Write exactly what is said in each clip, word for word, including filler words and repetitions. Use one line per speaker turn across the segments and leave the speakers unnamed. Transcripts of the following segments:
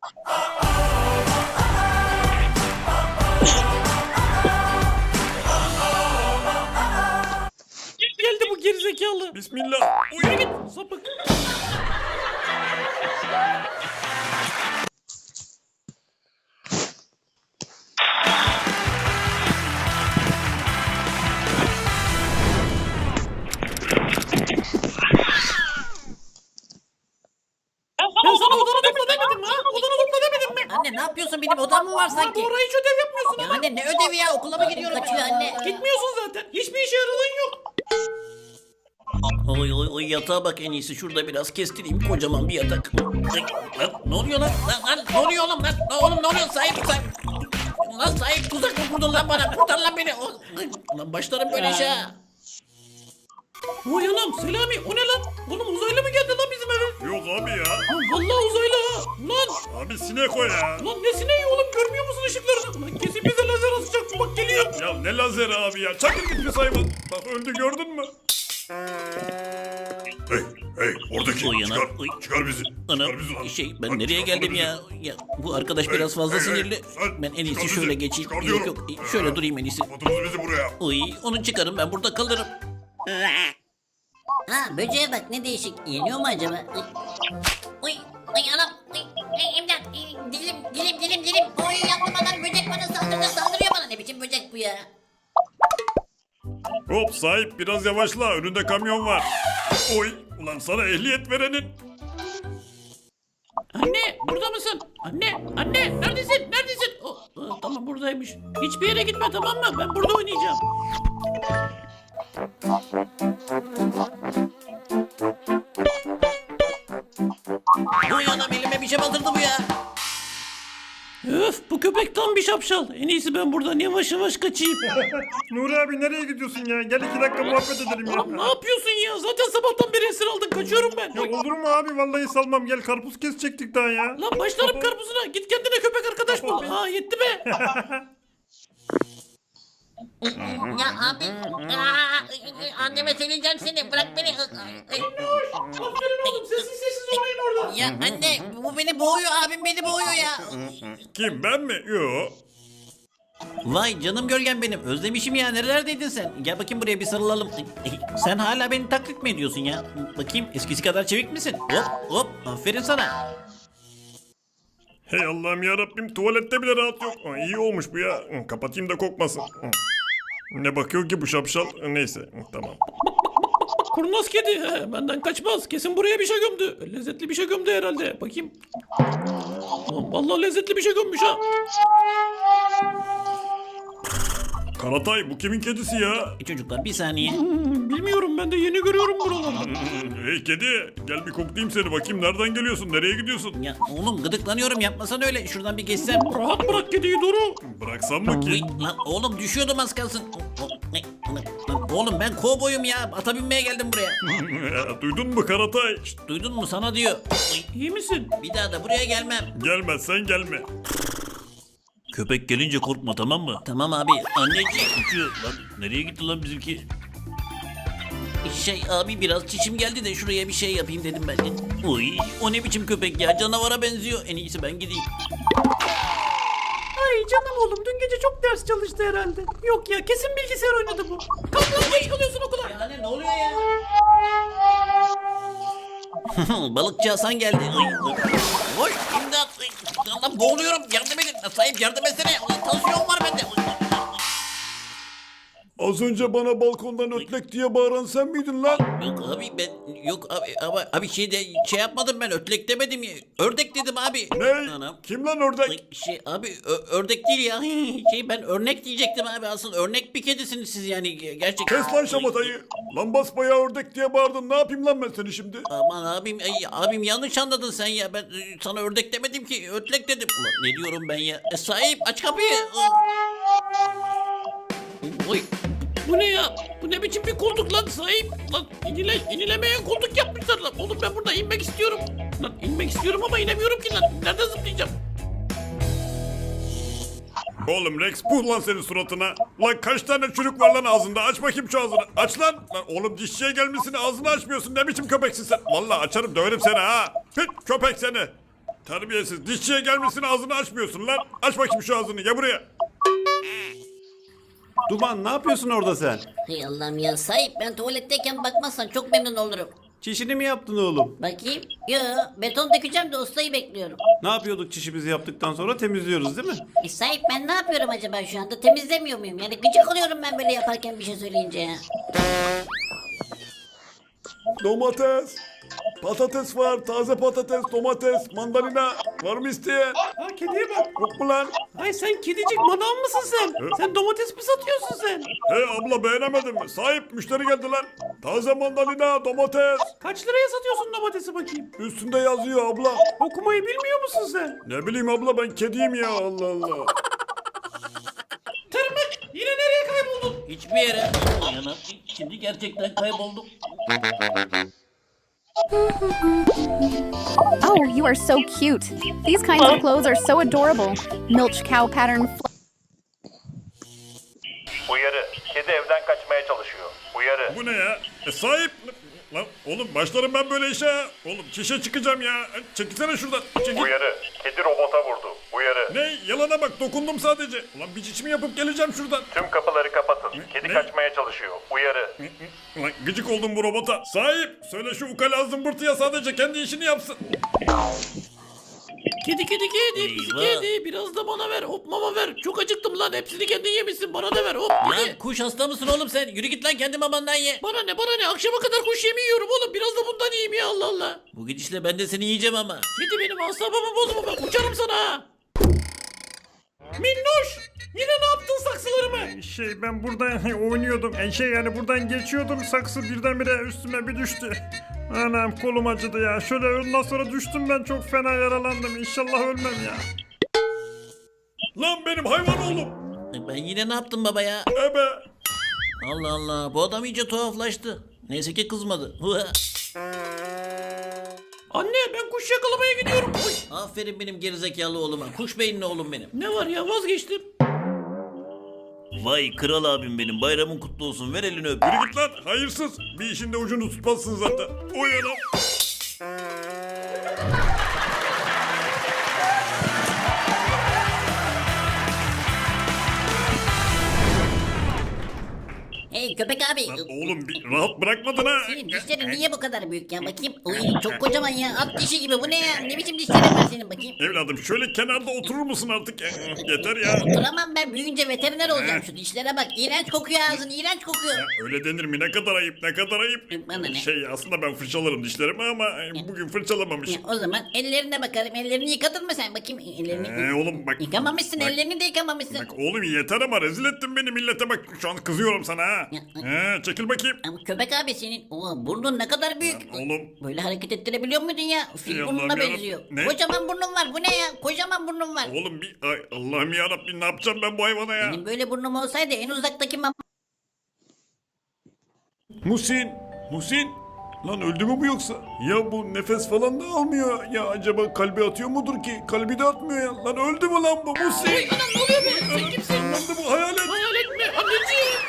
Geldi bu gerizekalı.
Bismillah.
Yürü git sapık. Ben sana odanı topla demedim mi ha? Odanı topla demedim mi?
Anne ne yapıyorsun, benim odam mı var
Abi
sanki?
oraya hiç ödev yapmıyorsun
Ya
ama.
anne ne ödevi ya, okula mı gidiyorum
Kaçıyor
ben?
anne.
Gitmiyorsun zaten. Hiçbir işe yaradığın yok.
Oy oy oy yatağa bak, en iyisi şurada biraz kestireyim, kocaman bir yatak. Ay, lan, ne oluyor lan? Lan, lan ne oluyor oğlum lan? Lan, oğlum ne oluyor? Sahip sahip. Lan sahip, tuzak mı kurdun lan bana? Kurtar lan beni. O- ay, Lan başlarım böyle işe ha.
Vay anam Selami o ne lan? Oğlum uzaylı mı geldi lan bizim eve?
Yok abi ya.
Lan vallahi uzaylı ha. Lan,
Abi sinek o ya.
lan ne sineği oğlum görmüyor musun ışıklarını? Lan kesin bize lazer atacak bu bak geliyor.
Ya ne lazeri abi ya. Çakır git bir hayvan. Bak öldü gördün mü? Hey hey oradaki
Oy anam,
çıkar.
oy.
Çıkar bizi.
Anam
Çıkar bizi lan.
şey ben
Lan
nereye
çıkar
geldim
bizi.
ya? Ya bu arkadaş
Hey,
biraz fazla
hey, hey,
sinirli.
sen
Ben en iyisi
çıkar
şöyle
bizi.
geçeyim.
Çıkar
Yok
diyorum.
yok şöyle durayım en iyisi.
Kapatınız bizi buraya.
Oy onu çıkarın, ben burada kalırım.
Ha böceğe bak ne değişik. Yeniyor mu acaba? Ay,
Uy, uy anam, uy, uy, imdat, uy, dilim, dilim, dilim, dilim. Uy yandım anam, böcek bana saldırıyor, saldırıyor bana. Ne biçim böcek bu ya?
Hop sahip biraz yavaşla. Önünde kamyon var. Oy ulan sana ehliyet verenin.
Anne burada mısın? Anne anne neredesin neredesin? Oh, oh, tamam buradaymış. Hiçbir yere gitme tamam mı? Ben burada oynayacağım.
Oy anam, elime bir şey batırdı bu ya.
Öf bu köpek tam bir şapşal. En iyisi ben buradan yavaş yavaş kaçayım.
Nuri abi nereye gidiyorsun ya? Gel iki dakika muhabbet edelim ya.
Oğlum ne yapıyorsun ya? Zaten sabahtan beri esir aldın. Kaçıyorum ben.
Ya olur mu abi? Vallahi salmam. Gel karpuz kesecektik daha ya.
Lan başlarım karpuzuna. Git kendine köpek arkadaş bul. Ha yetti be.
Ya abi, aa, anneme söyleyeceğim seni, bırak beni.
Aferin oğlum. Sessiz sessiz oynayın orada.
Ya anne, bu beni boğuyor, abim beni boğuyor ya.
Kim ben mi? Yo.
Vay canım gölgem benim. Özlemişim ya. Nerelerdeydin sen? Gel bakayım buraya bir sarılalım. Sen hala beni taklit mi ediyorsun ya? Bakayım eskisi kadar çevik misin? Hop hop. Aferin sana.
Hey Allah'ım ya Rabbim tuvalette bile rahat yok. Aa, iyi olmuş bu ya. Hı, kapatayım da kokmasın. Hı. Ne bakıyor ki bu şapşal? Neyse hı, tamam.
Kurnaz kedi. He, benden kaçmaz. Kesin buraya bir şey gömdü. Lezzetli bir şey gömdü herhalde. Bakayım. Ulan vallahi lezzetli bir şey gömmüş ha.
Karatay bu kimin kedisi ya?
E, çocuklar bir saniye.
Hmm, bilmiyorum ben de yeni görüyorum buralarda.
Hey kedi gel bir koklayayım seni bakayım nereden geliyorsun nereye gidiyorsun?
Ya oğlum gıdıklanıyorum, yapmasan öyle. Şuradan bir geçsem.
Rahat bırak kediyi Duru.
Bıraksam mı ki?
Uy, lan oğlum düşüyordum az kalsın. O- o- ne- lan oğlum ben kovboyum ya. Ata binmeye geldim buraya.
Duydun mu Karatay? Şşt,
Duydun mu, sana diyor. Uy,
İyi misin?
bir daha da buraya gelmem.
gelmezsen gelme.
Köpek gelince korkma, tamam mı? Tamam abi. Anneciğim. Uçuyor. Lan nereye gitti lan bizimki? Şey abi, biraz çişim geldi de şuraya bir şey yapayım dedim ben de. Uy, o ne biçim köpek ya, canavara benziyor. En iyisi ben gideyim.
Ay canım oğlum dün gece çok ders çalıştı herhalde. Yok ya kesin bilgisayar oynadı bu. Kalk lan geç kalıyorsun okula.
Yani ne oluyor ya? Balıkçı Hasan geldi. Ay, oy, imdat. Ay, Allah boğuluyorum. Yardım edin. Sahip yardım etsene. Ulan tansiyon var bende. Uy,
Az önce bana balkondan ötlek diye bağıran sen miydin lan?
Yok abi ben yok abi ama abi şey de şey yapmadım, ben ötlek demedim ya. Ördek dedim abi.
Ne?
Anam.
Kim lan ördek?
Ay, Şey abi ö- ördek değil ya. Şey ben örnek diyecektim abi, asıl örnek bir kedisiniz siz yani gerçekten.
Kes lan şamatayı. Lan basbayağı ördek diye bağırdın. Ne yapayım lan ben seni şimdi?
Aman abim ay, abim yanlış anladın sen ya. Ben e, sana ördek demedim ki, ötlek dedim. Ulan ne diyorum ben ya? E, sahip aç kapıyı. Oy.
Bu ne ya? Bu ne biçim bir koltuk lan sahip? Lan inile, inilemeyen koltuk yapmışlar lan. Oğlum ben burada inmek istiyorum. Lan inmek istiyorum ama inemiyorum ki lan. Nereden zıplayacağım?
Oğlum Rex puh lan senin suratına. Lan kaç tane çürük var lan ağzında? Aç bakayım şu ağzını. Aç lan. Lan oğlum dişçiye gelmişsin ağzını açmıyorsun. Ne biçim köpeksin sen? Vallahi açarım döverim seni ha. Pit köpek seni. Terbiyesiz. Dişçiye gelmişsin ağzını açmıyorsun lan. Aç bakayım şu ağzını. Gel buraya.
Duman ne yapıyorsun orada sen?
Hey Allah'ım ya sahip ben tuvaletteyken bakmazsan çok memnun olurum.
Çişini mi yaptın oğlum?
Bakayım. Yo beton dökeceğim de ustayı bekliyorum.
Ne yapıyorduk çişimizi yaptıktan sonra temizliyoruz değil mi?
E sahip ben ne yapıyorum acaba şu anda temizlemiyor muyum? Yani gıcık oluyorum ben böyle yaparken bir şey söyleyince ya.
Domates. Patates var. Taze patates, domates, mandalina. Var mı isteyen?
Ha kediye bak.
Yok mu lan?
Ay sen kedicik manav mısın sen? Sen domates mi satıyorsun sen?
Hey abla beğenemedin mi? Sahip müşteri geldi lan. Taze mandalina, domates.
Kaç liraya satıyorsun domatesi bakayım?
Üstünde yazıyor abla.
Okumayı bilmiyor musun sen?
Ne bileyim abla ben kediyim ya Allah Allah.
Tırmık yine nereye kayboldun?
Hiçbir yere. Yana, şimdi gerçekten kayboldum.
Oh, you are so cute. These kinds of clothes are so adorable. Milch cow pattern. fl-
Uyarı. Kedi evden kaçmaya çalışıyor. Uyarı.
Bu ne ya? E sahip. Lan oğlum başlarım ben böyle işe. ha. Oğlum çişe çıkacağım ya. Çekilsene şuradan. Çekil.
Uyarı. Kedi robota vurdu. Uyarı.
Ne? Yalana bak dokundum sadece. Ulan bir çişimi yapıp geleceğim şuradan.
Tüm kapıları kapatın. Kedi
Ne?
kaçmaya çalışıyor. Uyarı.
Ulan gıcık oldum bu robota. Sahip söyle şu ukala zımbırtıya sadece kendi işini yapsın.
Kedi kedi kedi pisi
Eyvah.
kedi biraz da bana ver hop mama ver. Çok acıktım lan hepsini kendin yemişsin bana da ver hop
Lan
hadi.
kuş hasta mısın oğlum sen? Yürü git lan kendi mamandan ye.
Bana ne bana ne akşama kadar kuş yemi yiyorum oğlum biraz da bundan yiyeyim ya Allah Allah.
Bu gidişle ben de seni yiyeceğim ama.
Kedi benim asabımı bozma bak uçarım sana ha. Minnoş yine ne yaptın saksılarımı?
Şey ben burada oynuyordum. E, şey yani buradan geçiyordum. Saksı birdenbire üstüme bir düştü. Anam kolum acıdı ya. Şöyle ondan sonra düştüm ben çok fena yaralandım. İnşallah ölmem ya. Lan benim hayvan oğlum.
Ben yine ne yaptım baba ya?
Ebe.
Allah Allah bu adam iyice tuhaflaştı. Neyse ki kızmadı.
Anne ben kuş yakalamaya gidiyorum. Oy.
Aferin benim gerizekalı oğluma. Kuş beyinli oğlum benim.
Ne var ya vazgeçtim.
Vay kral abim benim. Bayramın kutlu olsun. Ver elini öp.
Yürü git lan hayırsız. Bir işin de ucunu tutmazsın zaten. Oy anam.
Hey köpek abi.
Lan oğlum bir rahat bırakmadın ha.
Senin dişlerin niye bu kadar büyük ya bakayım. Uy çok kocaman ya at dişi gibi bu ne ya ne biçim dişlerin var senin bakayım.
Evladım şöyle kenarda oturur musun artık? Yeter ya.
Oturamam ben büyüyünce veteriner olacağım şu dişlere bak. İğrenç kokuyor ağzın iğrenç kokuyor.
Öyle denir mi? Ne kadar ayıp, ne kadar ayıp.
Bana ne?
Şey aslında ben fırçalarım dişlerimi ama bugün fırçalamamışım.
Ya, o zaman ellerine bakarım. Ellerini yıkadın mı sen? Bakayım ellerini.
Ee, oğlum bak.
Yıkamamışsın
bak,
ellerini de yıkamamışsın.
Bak oğlum yeter ama rezil ettin beni millete bak. Şu an kızıyorum sana ha.
Ya,
He, çekil bakayım.
Ama köpek abi senin o burnun ne kadar büyük.
Oğlum.
Böyle hareket ettirebiliyor muydun ya? Fil
Ey
burnuna
Allah'ım yarabbim.
benziyor.
Ne?
Kocaman burnun var. Bu ne ya? Kocaman burnun var.
Oğlum bir ay, Allah'ım yarabbim ne yapacağım ben bu hayvana ya?
Benim böyle burnum olsaydı en uzaktaki mam...
Musin, Musin. Lan öldü mü bu yoksa? Ya bu nefes falan da almıyor. Ya acaba kalbi atıyor mudur ki? Kalbi de atmıyor ya. Lan öldü mü lan bu Musin?
Oy anam ne oluyor be sen kimsin?
Lan da bu hayalet.
Hayal etme anneciğim.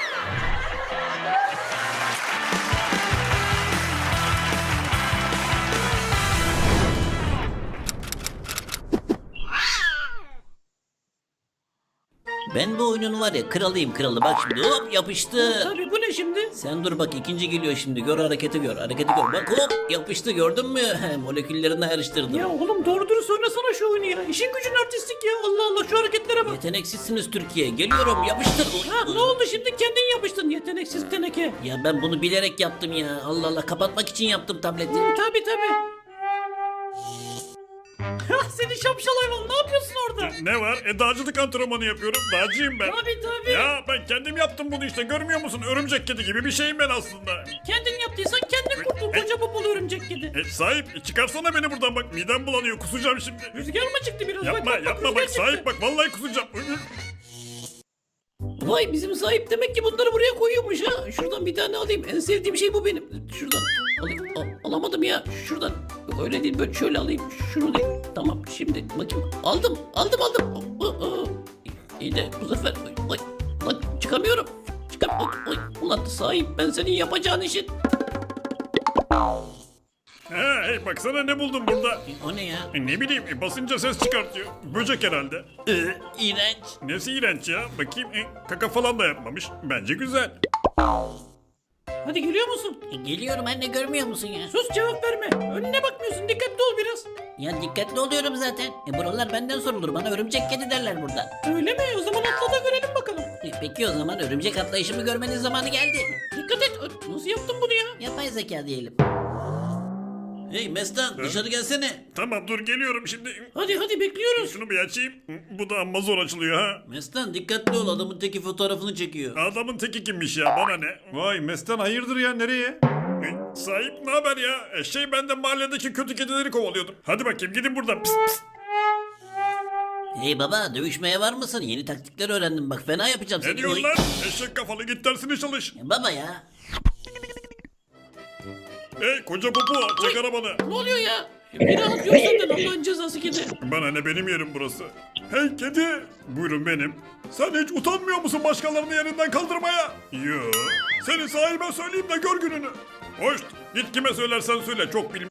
Ben bu oyunun var ya kralıyım kralı. Bak şimdi hop yapıştı.
Tabii bu ne şimdi?
Sen dur bak ikinci geliyor şimdi. Gör hareketi gör. Hareketi gör. Bak hop yapıştı gördün mü? Moleküllerini ayrıştırdım.
Ya oğlum doğru dürüst oynasana şu oyunu ya. İşin gücün artistik ya. Allah Allah şu hareketlere bak.
Yeteneksizsiniz Türkiye. Geliyorum yapıştır.
Ha ne oldu şimdi kendin yapıştın yeteneksiz teneke.
Ya ben bunu bilerek yaptım ya. Allah Allah kapatmak için yaptım tableti.
Tabii tabii. Seni şapşal hayvan ne yapıyorsun orada?
Ne var? E dağcılık antrenmanı yapıyorum. Dağcıyım ben.
Tabii tabii.
Ya ben kendim yaptım bunu işte görmüyor musun? Örümcek kedi gibi bir şeyim ben aslında.
Kendin yaptıysan kendin kurtul koca popolu örümcek kedi.
E sahip e, çıkarsana beni buradan bak midem bulanıyor kusacağım şimdi.
Rüzgar mı çıktı biraz?
Yapma
bak, bak,
yapma
rüzgar
bak
çıktı.
sahip bak vallahi kusacağım.
Vay bizim sahip demek ki bunları buraya koyuyormuş ha. Şuradan bir tane alayım. En sevdiğim şey bu benim. Şuradan alayım. Al- alamadım ya. Şuradan. Yok öyle değil böyle şöyle alayım. Şunu değil. Tamam şimdi bakayım. Aldım. Aldım aldım. Aa, aa. İyi de bu sefer. Oy, oy. Lan çıkamıyorum. Çıkam. Oy, oy. Ulan sahip ben senin yapacağın işin.
He Hey baksana ne buldum burada.
O ne ya?
E, Ne bileyim e, basınca ses çıkartıyor. Böcek herhalde.
Ee, iğrenç.
Nesi iğrenç ya? Bakayım e, kaka falan da yapmamış. Bence güzel.
Hadi geliyor musun?
E, geliyorum anne, görmüyor musun ya?
Sus, cevap verme. Önüne bakmıyorsun, dikkatli ol biraz.
Ya dikkatli oluyorum zaten. E, buralar benden sorulur. Bana örümcek kedi derler burada.
Öyle mi? O zaman atla da görelim bakalım.
E, peki o zaman örümcek atlayışımı görmenin zamanı geldi.
Dikkat et. Ö- Nasıl yaptın bunu ya?
Yapay zeka diyelim.
Hey Mestan dışarı gelsene.
Tamam dur geliyorum şimdi.
Hadi hadi bekliyoruz.
Şunu bir açayım. Bu da amma zor açılıyor ha.
Mestan dikkatli ol adamın teki fotoğrafını çekiyor.
Adamın teki kimmiş ya bana ne?
Vay Mestan hayırdır ya nereye?
E, Sahip ne haber ya? E, şey ben de mahalledeki kötü kedileri kovalıyordum. Hadi bakayım gidin buradan. Pıs, pıs.
Hey baba, dövüşmeye var mısın? Yeni taktikler öğrendim bak, fena yapacağım
Ne
seni.
diyorsun
Oy.
lan? Eşek kafalı git dersini çalış.
E, Baba ya.
Hey koca popo çek arabanı.
Ne oluyor ya? Bir rahat yok senden, Allah'ın cezası kedi.
Bana ne, benim yerim burası. Hey kedi. Buyurun benim. Sen hiç utanmıyor musun başkalarını yerinden kaldırmaya? Yo. Seni sahibe söyleyeyim de gör gününü. Hoş. Git kime söylersen söyle, çok bilim